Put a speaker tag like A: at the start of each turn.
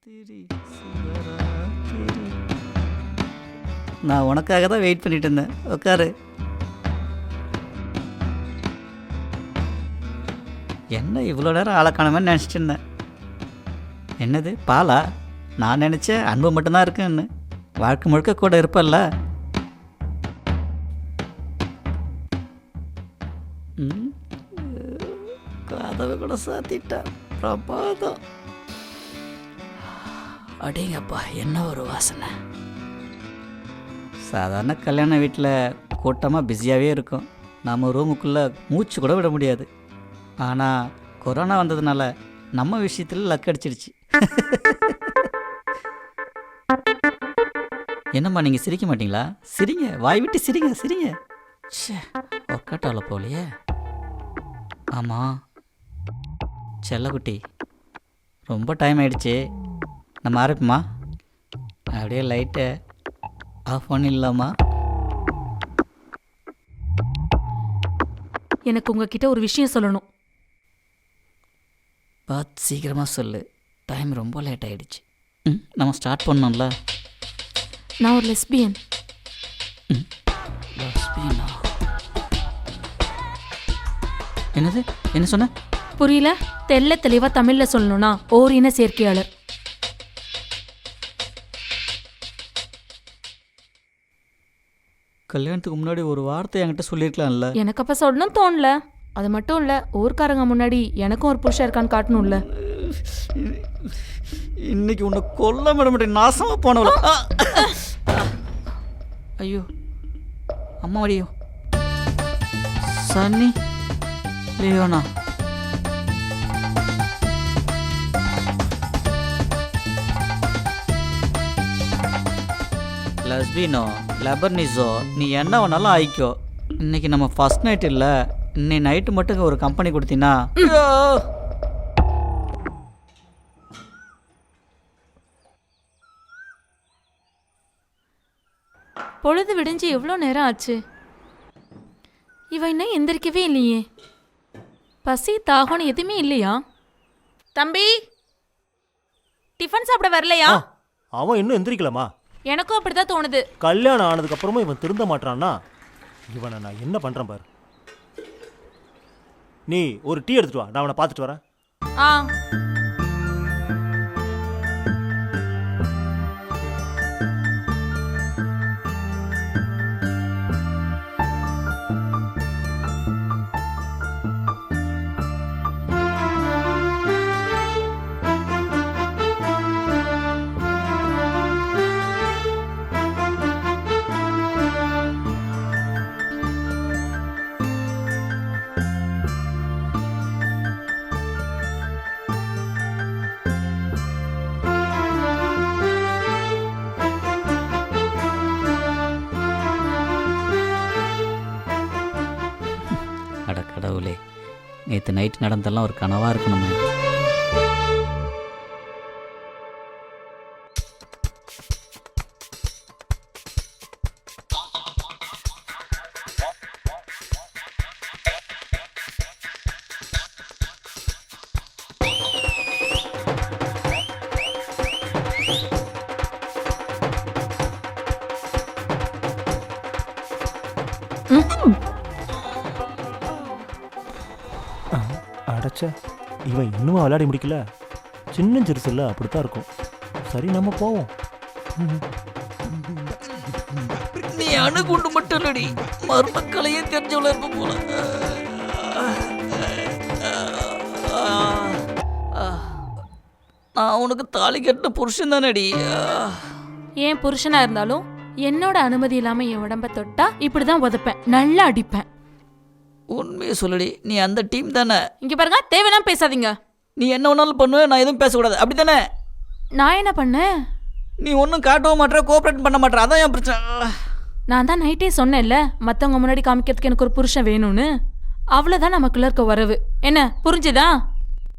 A: நான் உனக்காக தான் வெயிட் பண்ணிட்டு இருந்தேன். உட்காரு. என்ன இவ்வளோ நேரம் ஆளை காணாமன்னு நினச்சிட்டு இருந்தேன். என்னது பாலா? நான் நினச்சேன் அன்பு மட்டும்தான் இருக்குன்னு. வாழ்க்கை முழுக்க கூட இருப்பல்ல. கதவை கூட சாத்திட்டா. பிரபாதம். அடேங்கப்பா, என்ன ஒரு வாசனை. சாதாரண கல்யாண வீட்டில் கூட்டமாக பிஸியாகவே இருக்கும். நம்ம ரூமுக்குள்ளே மூச்சு கூட விட முடியாது. ஆனால் கொரோனா வந்ததுனால நம்ம விஷயத்தில் லக் அடிச்சிடுச்சு. என்னம்மா நீங்கள் சிரிக்க மாட்டிங்களா? சிரிங்க, வாய் விட்டு சிரிங்க சிரிங்க. ச்சே, ஒர்க் அவுட் ஆகல போலையே. ஆமாம் செல்லக்குட்டி, ரொம்ப டைம் ஆகிடுச்சு. நம்ம ஆரம்பிப்போமா? அப்படியே லைட்டை ஆஃப் பண்ணிடலாமா?
B: எனக்கு உங்ககிட்ட ஒரு விஷயம் சொல்லணும்.
A: பார்த்து சீக்கிரமாக சொல்லு, டைம் ரொம்ப லேட் ஆகிடுச்சு. நம்ம ஸ்டார்ட் பண்ணோம்ல.
B: நான் ஒரு லெஸ்பியன்.
A: லெஸ்பியனா? என்னது? என்ன சொன்ன?
B: புரியல? தெல்ல தெளிவா தமிழ்ல சொல்லணும்னா ஓரின சேர்க்கையாளர்.
A: கல்யாணத்துக்கு முன்னாடி ஒரு வார்த்தை என்கிட்ட சொல்லியிருக்கலாம்ல.
B: எனக்கு அப்ப சொல்லணும் தோணல. அது மட்டும் இல்ல, ஊர்க்காரங்க முன்னாடி எனக்கும் ஒரு புருஷன் இருக்கான்னு காட்டணும்ல.
A: இன்னைக்கு உன்னை கொல்ல மாட்டேன், நாசமா போனவள. ஐயோ அம்மா வடியோ. சன்னி லியோனா. லஸ்பினோ லெபர்னிஸோ, நீ என்ன வேணாலும் ஆயிக்கோ. இன்னைக்கு நம்ம ஃபர்ஸ்ட் நைட் இல்லை, இன்னைக்கு நைட்டு மட்டும் ஒரு கம்பெனி கொடுத்தீங்கன்னா.
B: பொழுது விடிஞ்சு எவ்வளோ நேரம் ஆச்சு? இவ இன்னும் எந்திரிக்கவே இல்லையே. பசி தாகம்னு எதுவுமே இல்லையா? தம்பி, டிஃபன் சாப்பிட வரலையா?
C: அவன் இன்னும் எந்திரிக்கலாமா?
B: எனக்கும் அப்படிதான் தோணுது.
C: கல்யாணம் ஆனதுக்கு அப்புறமும் இவன் திருந்த மாட்டான்னா இவனை நான் என்ன பண்றேன் பாரு. நீ ஒரு டீ எடுத்துட்டு வா, நான் அவனை பார்த்துட்டு வரேன்.
B: ஆ.
A: கடவுளே, நேற்று நைட் நடந்தெல்லாம் ஒரு கனவாக இருக்கணுமே.
C: அடைச்ச, இவன் இன்னும் விளையாடி முடிக்கல. சின்ன சிறுசுல அப்படித்தான் இருக்கும். சரி, நம்ம போவோம்.
A: நீ அணுகுண்டு மட்டும் இல்லடி, மர்மக்கலையே தெரிஞ்சவள இருப்ப போல. நான் உனக்கு தாலி கட்டின புருஷன் தானடி.
B: ஏன் புருஷனா இருந்தாலும் என்னோட அனுமதி இல்லாம என் உடம்ப தொட்டா இப்படிதான் உதப்பேன், நல்லா அடிப்பேன்.
A: உண்மையை சொல்லடி, நீ அந்த டீம் தானே?
B: இங்க பாருங்க, தேவையெல்லாம் பேசாதீங்க.
A: நீ என்ன ஒன்றாலும் பண்ணுவேன், நான் எதுவும் பேசக்கூடாது, அப்படி தானே?
B: நான் என்ன பண்ணேன்?
A: நீ ஒன்றும் காட்டவும் மாட்டேற, கோஆப்ரேட் பண்ண மாட்டேற, அதான் என் பிரச்சனை.
B: நான் தான் நைட்டே சொன்னேன்ல, மற்றவங்க முன்னாடி காமிக்கிறதுக்கு எனக்கு ஒரு புருஷன் வேணும்னு. அவ்வளோதான் நமக்குள்ள இருக்க வரவு. என்ன புரிஞ்சுதா?